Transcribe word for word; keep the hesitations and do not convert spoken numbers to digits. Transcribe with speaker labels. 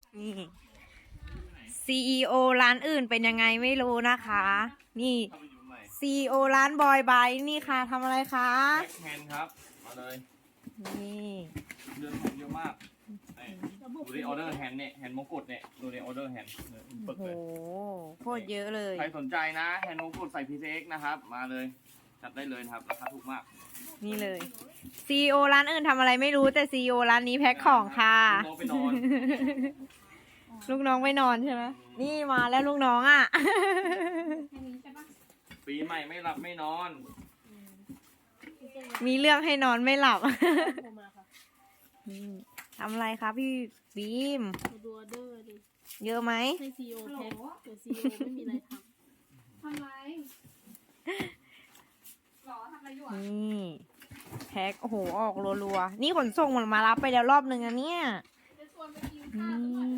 Speaker 1: นี่ ซี อี โอ ร้านอื่นเป็นยังไงไม่รู้นะคะ นี่ ซี อี โอ ร้านบอยไบท์นี่ค่ะทำอะไรคะ
Speaker 2: แบ็คแฮนด์ครับ มาเลย
Speaker 1: นี่
Speaker 2: เดือนแฮนด์เยอะมากนี่ดูดิออเดอร์แฮนด์เนี่ยแฮนด์มงกุฎเนี่ยดูดิออเดอร์แฮนด์ปึ
Speaker 1: โอ้
Speaker 2: ก
Speaker 1: โห
Speaker 2: เลย
Speaker 1: โคตรเยอะเลย
Speaker 2: ใครสนใจนะแฮนด์มงกุฎใส่ พี ซี เอ็กซ์ นะครับ มาเลยจัดได้เลยนะครับราคาถูกมาก
Speaker 1: นี่เลย ซี อี โอ ร้านอื่นทำอะไรไม่รู้แต่ ซี อี โอ ร้านนี้แพ็คของค่ะ
Speaker 2: ลูกน้องไปนอน
Speaker 1: ลูกน้องไปนอนใช่ไหมนี่มาแล้วลูกน้องอ่ะ
Speaker 2: ปีใหม่ไม่หลับไม่นอน
Speaker 1: มีเรื่องให้นอนไม่หลับ นี่ทำอะไรคะพี่บีม
Speaker 3: มาดูออเดอร์ดิ
Speaker 1: เยอะไหม
Speaker 3: ให้ซีโอแพ็คแต่ซีโอไม่มีอะไรท
Speaker 4: ทำไรหรอทำอะไรอยู่อ่ะ
Speaker 1: นี่แพ็คโอ้โหออกรัวๆนี่ขนส่งมันมารับไปแล้วรอบนึงอะเนี่ย
Speaker 4: จะชวนไปกินข้าวสักหน่อย
Speaker 1: นี่